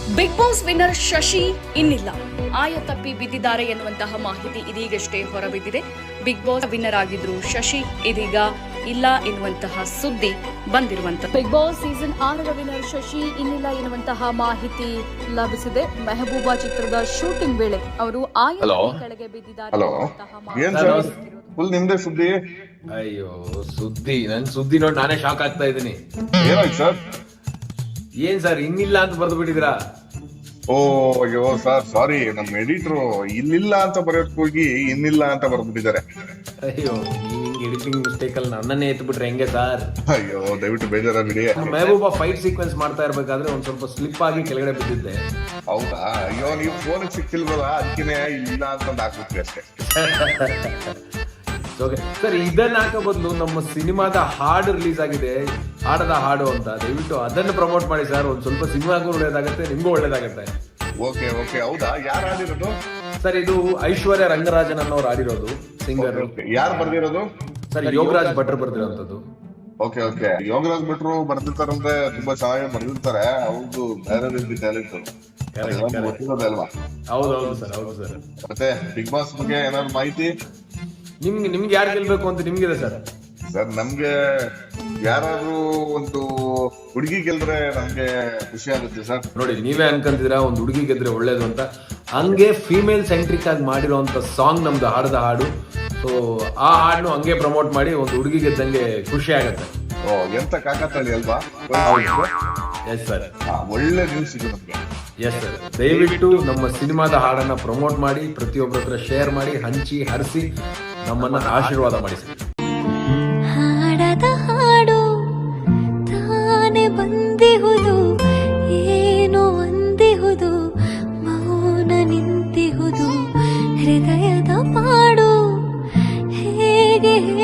Big boss winner Shashi ಇನ್ನಿಲ್ಲ, ಆಯ ತಪ್ಪಿ ಬಿದ್ದಿದ್ದಾರೆ ಎನ್ನುವಂತಹ ಮಾಹಿತಿ ಇದೀಗಷ್ಟೇ ಹೊರಬಿದ್ದಿದೆ. ಬಿಗ್ ಬಾಸ್ ವಿನ್ನರ್ ಆಗಿದ್ರು ಶಶಿ, ಇದೀಗ ಇಲ್ಲ ಎನ್ನುವಂತಹ ಸುದ್ದಿ ಬಂದಿರುವಂತಹ ಬಿಗ್ ಬಾಸ್ ಸೀಸನ್ 6ರ ವಿನ್ನರ್ ಶಶಿ ಇನ್ನಿಲ್ಲ ಎನ್ನುವಂತಹ ಮಾಹಿತಿ ಲಭಿಸಿದೆ. ಮೆಹಬೂಬಾ ಚಿತ್ರದ ಶೂಟಿಂಗ್ ವೇಳೆ ಅವರು ಆಯ ಕೆಳಗೆ ಬಿದ್ದಿದ್ದಾರೆ ಫುಲ್ ನಿಮ್ದೇ ಸುದ್ದಿ. ಅಯ್ಯೋ ಸುದ್ದಿ, ನನ್ ಸುದ್ದಿ ನೋಡಿ ನಾನೇ ಶಾಕ್ ಆಗ್ತಾ ಇದ್ದೀನಿ. ಏನಾಯ್ತು ಸರ್? ಏನ್ ಸರ್ ಇನ್ನಿಲ್ಲ ಅಂತ ಬರ್ದು ಬಿಟ್ಟಿದ್ರಾ? ಓ ಅಯ್ಯೋ ಸರ್ ಸಾರಿ, ನಮ್ ಎಡಿಟರ್ ಇಲ್ಲಿಲ್ಲ ಅಂತ ಬರೆಯೋಕ್ ಹೋಗಿ ಇನ್ನಿಲ್ಲ ಅಂತ ಬರ್ಬಿಟ್ಟಿದ್ದಾರೆ. ಅಯ್ಯೋ ನೀವ್ ಎಡಿಟಿಂಗ್ ಮಿಸ್ಟೇಕ್ ಅಲ್ಲಿ ನನ್ನನ್ನೇ ಎತ್ಬಿಟ್ರೆ ಹೆಂಗೆ ಸರ್? ಅಯ್ಯೋ ದಯವಿಟ್ಟು ಬೇಜಾರ ಬಿಡಿ. ಮೆಹಬೂಬಾ ಫೈಟ್ ಸೀಕ್ವೆನ್ಸ್ ಮಾಡ್ತಾ ಇರ್ಬೇಕಾದ್ರೆ ಒಂದ್ ಸ್ವಲ್ಪ ಸ್ಲಿಪ್ ಆಗಿ ಕೆಳಗಡೆ ಬಿದ್ದಿದ್ದೆ. ಹೌದಾ? ಅಯ್ಯೋ ನೀವು ಫೋನ್ ಸಿಕ್ತಿಲ್ವಲ್ಲ, ಅದಕ್ಕೇನೆ ಇಲ್ಲ ಅಂತ ಹಾಕ್ಬಿಟ್ರಿ ಅಷ್ಟೇ. ಸರ್ ಇದನ್ನ ಹಾಕೋ ಬದಲು ನಮ್ಮ ಸಿನಿಮಾದ ಹಾಡು ರಿಲೀಸ್ ಆಗಿದೆ, ಹಾಡದ ಹಾಡು ಅಂತ, ದಯವಿಟ್ಟು ಅದನ್ನು ಪ್ರಮೋಟ್ ಮಾಡಿ ಸರ್. ಒಂದ್ ಸ್ವಲ್ಪ ಸಿನಿಮಾಗೂ ಒಳ್ಳೇದಾಗತ್ತೆ, ನಿಮ್ಗೂ ಒಳ್ಳೇದಾಗತ್ತೆ. ಓಕೆ ಓಕೆ, ಹೌದಾ? ಯಾರು ಆಡಿರೋದು ಸರ್? ಇದು ಐಶ್ವರ್ಯ ರಂಗರಾಜನ್ ಅನ್ನೋರು ಆಡಿರೋದು, ಸಿಂಗರ್. ಯಾರು ಬರ್ದಿರೋದು ಸರ್? ಯೋಗರಾಜ್ ಭಟ್ರು ಬರ್ದಿರೋಂಥದ್ದು. ಓಕೆ ಓಕೆ, ಯೋಗರಾಜ್ ಭಟ್ರು ಬರ್ದಿರ್ತಾರಂದ್ರೆ ತುಂಬಾ ಚೆನ್ನಾಗಿ ಬರ್ದಿರ್ತಾರೆ. ಅವ್ರದ್ದು ಬೇರೆ ರೀತಿ ಟ್ಯಾಲೆಂಟ್ ಗೊತ್ತಿರೋದೇ ಅಲ್ವಾ? ಹೌದೌದು ಸರ್, ಹೌದು ಸರ್. ಮತ್ತೆ ಬಿಗ್ ಬಾಸ್ ಬಗ್ಗೆ ಏನಾದ್ರು ಮಾಹಿತಿ? ನಿಮ್ಗೆ ಯಾರು ಗೆಲ್ಬೇಕು ಅಂತ ನಿಮ್ಗಿದೆ ಸರ್? ಸರ್ ನಮ್ಗೆ ಯಾರಾದ್ರೂ ಒಂದು ಹುಡುಗಿ ಗೆಲ್ದ್ರೆ ನಮ್ಗೆ ಖುಷಿ ಆಗುತ್ತೆ ಸರ್. ನೋಡಿ, ನೀವೇ ಅನ್ಕೊಂತಿದ್ದೀರಾ ಒಂದು ಹುಡುಗಿ ಗೆದ್ರೆ ಒಳ್ಳೇದು ಅಂತ. ಹಂಗೆ ಫೀಮೇಲ್ ಸೆಂಟ್ರಿಕ್ ಆಗಿ ಮಾಡಿರೋಂಥ ಸಾಂಗ್ ನಮ್ದು ಹಾಡದ ಹಾಡು. ಸೊ ಆ ಹಾಡನ್ನು ಹಂಗೆ ಪ್ರಮೋಟ್ ಮಾಡಿ ಒಂದು ಹುಡುಗಿ ಗೆದ್ದಂಗೆ ಖುಷಿ ಆಗತ್ತೆ. ಓ ಎಂತ ಕಾಕತಾಳಿ ಅಲ್ವಾ? ಎಸ್ ಸರ್, ಒಳ್ಳೆ ನ್ಯೂಸ್ ಇದು ನಮ್ಗೆ. ಎಸ್ ಸರ್, ದಯವಿಟ್ಟು ನಮ್ಮ ಸಿನಿಮಾದ ಹಾಡನ್ನ ಪ್ರಮೋಟ್ ಮಾಡಿ, ಪ್ರತಿಯೊಬ್ಬರ ಹತ್ರ ಶೇರ್ ಮಾಡಿ, ಹಂಚಿ ಹರಿಸಿ ನಮ್ಮನ್ನ ಆಶೀರ್ವಾದ ಮಾಡಿ ಸರ್.